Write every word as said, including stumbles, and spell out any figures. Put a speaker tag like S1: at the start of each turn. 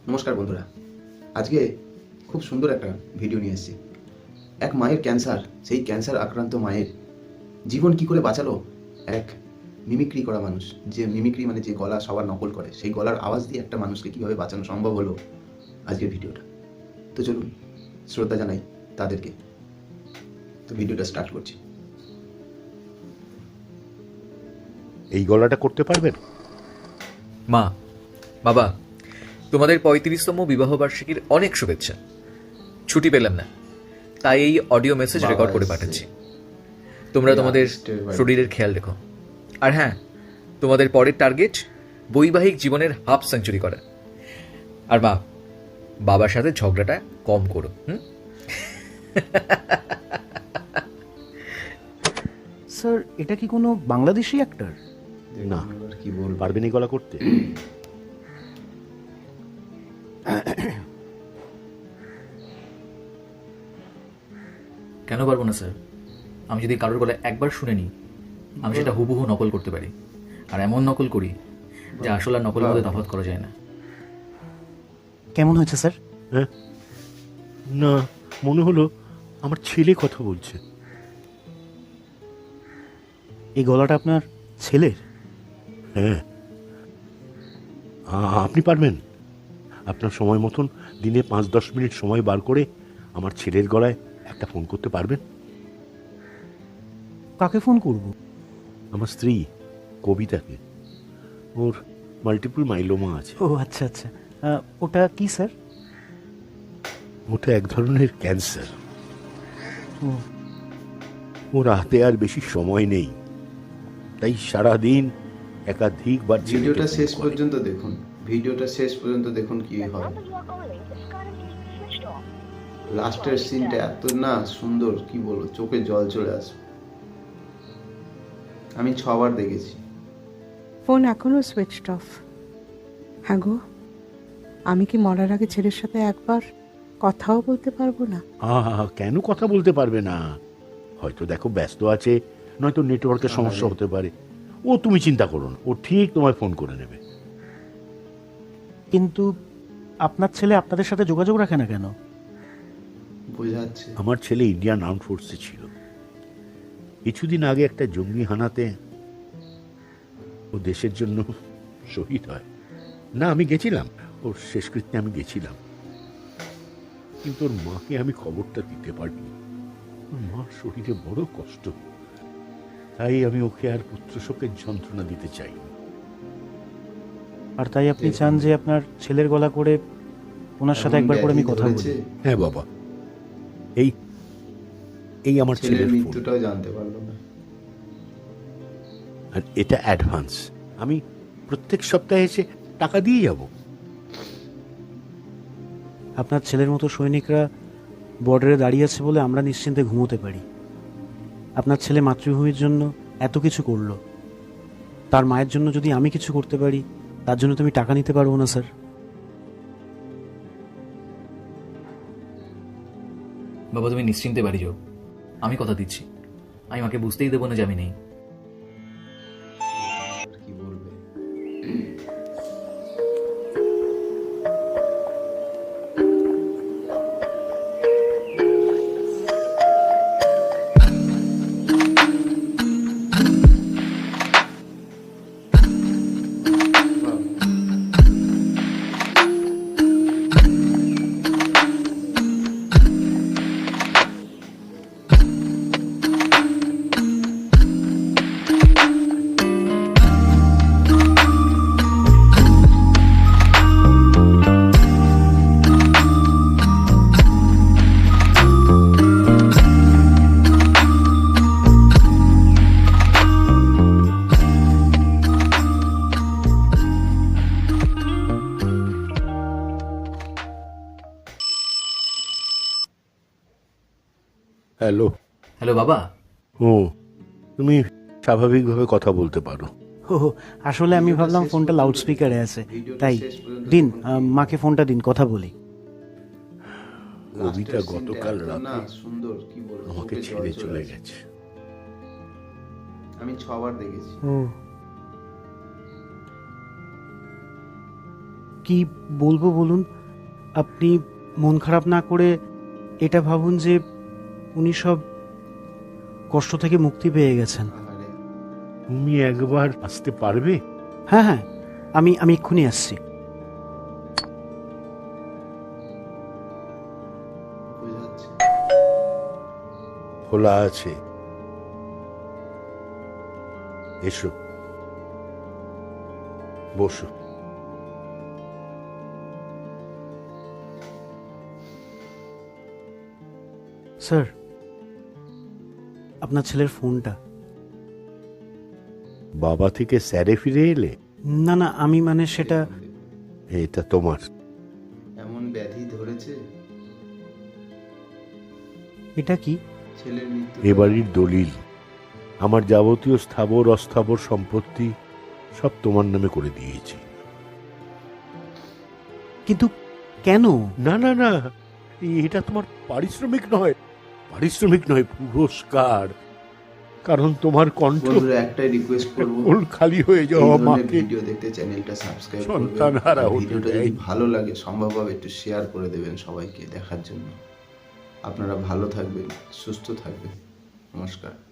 S1: নমস্কার বন্ধুরা, আজকে খুব সুন্দর একটা ভিডিও নিয়ে এসেছি। এক মায়ের ক্যান্সার, সেই ক্যান্সার আক্রান্ত মায়ের জীবন কি করে বাঁচালো এক মিমিক্রি করা মানুষ। যে মিমিক্রি মানে যে গলা সবার নকল করে, সেই গলার আওয়াজ দিয়ে একটা মানুষকে কিভাবে বাঁচানো সম্ভব হলো আজকের ভিডিওটা। তো চলুন শ্রদ্ধা জানাই তাদেরকে। তো ভিডিওটা স্টার্ট করছি।
S2: এই গলাটা করতে পারবেন?
S3: মা, বাবা, তোমাদের পঁয়ত্রিশতম বিবাহবার্ষিকীর অনেক শুভেচ্ছা। ছুটি পেলাম না, তাই এই অডিও মেসেজ
S1: বাবা
S3: রেকর্ড করে
S1: এসছে।
S3: পাঠাচ্ছি। তোমরা
S1: এই
S3: তোমাদের
S1: artist-এর বাড়ি।
S3: শরীরের খেয়াল রেখো। আর হ্যাঁ, তোমাদের পরের টার্গেট বৈবাহিক জীবনের হাফ সেঞ্চুরি করা। আর মা, বাবার সাথে ঝগড়াটা কম করো। হুম
S4: স্যার, এটা কি কোনো বাংলাদেশি অ্যাক্টর?
S2: না।
S1: এবার কি বলবো?
S2: পারবেন এই গলা করতে?
S3: কেন পারবো না স্যার? আমি যদি কারোর গলায় একবার শুনে নিই, আমি সেটা হুবহু নকল করতে পারি। আর এমন নকল করি যা আসল আর নকলের মধ্যে তফাৎ করা যায় না।
S4: কেমন হয়েছে স্যার?
S2: হ্যাঁ, না, মনে হলো আমার ছেলে কথা বলছে।
S4: এই গলাটা আপনার ছেলের?
S2: হ্যাঁ। আ- আপনি পারবেন? আপনার সময় মতন দিনে পাঁচ দশ মিনিট সময় বার করে আমার ছেলের গলায় একটা ফোন করতে পারবেন?
S4: কাকে ফোন করব?
S2: আমার স্ত্রী কবিতাকে। ওর মাল্টিপল মাইলোমা আছে।
S4: ও আচ্ছা আচ্ছা, আহ, ওটা কি স্যার?
S2: ওটা এক ধরনের ক্যান্সার।
S4: ও
S2: ওর হাতে আর বেশি সময় নেই, তাই সারাদিন একাধিকবার ছেলেকে
S1: ভিডিওটা
S2: ফোন
S1: শেষ
S2: করে।
S1: পর্যন্ত দেখুন। ভিডিওটা শেষ পর্যন্ত দেখুন কি হয়। লাস্টের সিনটা এত না সুন্দর, কি বলবো, চোখে জল চলে আসবে। আমি ছবার দেখেছি।
S5: ফোন এখনো সুইচড অফ। হ্যাঁ গো, আমি কি মরার আগে ছেলের সাথে একবার কথাও বলতে পারবো না?
S2: আহা, কেন কথা বলতে পারবে না? হয়তো দেখো ব্যস্ত আছে, নয়তো নেটওয়ার্কের সমস্যা হতে পারে। ও তুমি চিন্তা করো না, ও ঠিক তোমায় ফোন করে নেবে।
S4: কিন্তু আপনার ছেলে আপনাদের সাথে যোগাযোগ রাখে না কেন?
S1: বোঝাচ্ছে
S2: আমার ছেলে ইন্ডিয়ান আর্ম ফোর্সে ছিল। কিছুদিন আগে একটা জঙ্গি হানাতে ও দেশের জন্য শহীদ হয়। না, আমি গেছিলাম, ওর শেষকৃত্যে আমি গেছিলাম, কিন্তু ওর মাকে আমি খবরটা দিতে পারিনি। ওর মার শরীরে বড় কষ্ট, তাই আমি ওকে আর পুত্র শোকের যন্ত্রণা দিতে চাইনি।
S4: আর তাই আপনি চান যে আপনার ছেলের গলা করে ওনার সাথে একবার করে আমি কথা বলি?
S2: হ্যাঁ বাবা, এই এই আমার
S1: ছেলের
S2: ছেলের ফোন,
S1: মৃত্যুটাও জানতে পারলো না।
S2: আর এটা অ্যাডভান্স। আমি প্রত্যেক সপ্তাহে এসে টাকা দিয়ে যাব।
S4: আপনার ছেলের মতো সৈনিকরা বর্ডারে দাঁড়িয়ে আছে বলে আমরা নিশ্চিন্তে ঘুমোতে পারি। আপনার ছেলে মাতৃভূমির জন্য এত কিছু করলো, তার মায়ের জন্য যদি আমি কিছু করতে পারি, তার জন্য তুমি টাকা নিতে পারবো না স্যার?
S3: বাবা, তুমি নিশ্চিন্তে বাড়ি যাও। আমি কথা দিচ্ছি, আমি মাকে বুঝতেই দেবো না যে আমি নেই।
S1: কি বলবে?
S2: হ্যালো।
S3: হ্যালো বাবা।
S2: ও, তুমি স্বাভাবিকভাবে কথা বলতে পারো।
S4: ও আসলে আমি ভাবলাম ফোনটা লাউড স্পিকারে আছে, তাই দিন, আহ, মাকে ফোনটা দিন, কথা বলি।
S2: কবিতা গতকাল
S1: না
S2: রাতে
S1: সুন্দর, কি বলবো,
S2: আমাকে
S1: চোখে জল
S2: ছেড়ে চলে
S1: আসবে।
S2: গেছে।
S1: আমি ছবার দেখেছি।
S4: ও কি বলবো বলুন? আপনি মন খারাপ না করে এটা ভাবুন যে উনি সব কষ্ট থেকে মুক্তি পেয়ে গেছেন।
S1: আহারে,
S2: তুমি একবার আসতে পারবে?
S4: হ্যাঁ হ্যাঁ, আমি আমি এক্ষুনি আসছি।
S1: বোঝা যাচ্ছে।
S2: খোলা আছে, এসো, বসো।
S4: স্যার, আপনার ছেলের ফোনটা।
S2: বাবা থেকে স্যারে ফিরে এলে?
S4: না না, আমি মানে সেটা
S2: এটা তোমার।
S1: এমন ব্যাধি ধরেছে,
S4: এটা কি?
S1: ছেলের মৃত্যু।
S2: এ বাড়ির দলিল, আমার যাবতীয় স্থাবর অস্থাবর সম্পত্তি সব তোমার নামে করে দিয়েছি।
S4: কিন্তু কেন?
S2: না না না, এটা তোমার পারিশ্রমিক নয়, পারিশ্রমিক নয়, পুরস্কার। কারণ তোমার কণ্ঠ
S1: বন্ধুরা, একটাই রিকোয়েস্ট করবো,
S2: কোল খালি হয়ে
S1: এই
S2: যাওয়া
S1: ধরনের
S2: মাকে
S1: ভিডিও দেখতে চ্যানেলটা সাবস্ক্রাইব
S2: সন্তান
S1: করবেন।
S2: হারা
S1: আর
S2: হতে
S1: ভিডিওটা যদি
S2: দেয়নি।
S1: ভালো লাগে সম্ভব হবে একটু শেয়ার করে দেবেন সবাইকে দেখার জন্য। আপনারা ভালো থাকবেন, সুস্থ থাকবেন। নমস্কার।